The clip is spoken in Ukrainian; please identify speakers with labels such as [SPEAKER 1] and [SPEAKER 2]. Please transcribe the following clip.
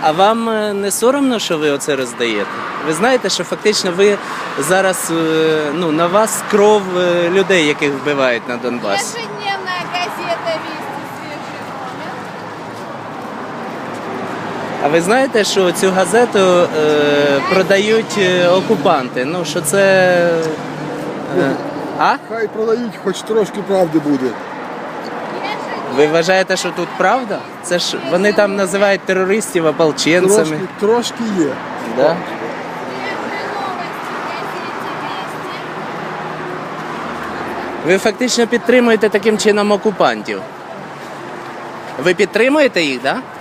[SPEAKER 1] А вам не соромно, що ви оце роздаєте? Ви знаєте, що фактично ви зараз, на вас кров людей, яких вбивають на Донбасі.
[SPEAKER 2] Ежедневная газета «Вести», свежий номер.
[SPEAKER 1] А ви знаєте, що цю газету продають окупанти? Ну, що це... А?
[SPEAKER 3] Хай продають, хоч трошки правди буде.
[SPEAKER 1] Ви вважаєте, що тут правда? Це ж вони там називають терористів ополченцями.
[SPEAKER 3] Трошки є.
[SPEAKER 1] Да?
[SPEAKER 2] Свежие новости в газете «Вести».
[SPEAKER 1] Ви фактично підтримуєте таким чином окупантів. Ви підтримуєте їх, так? Да?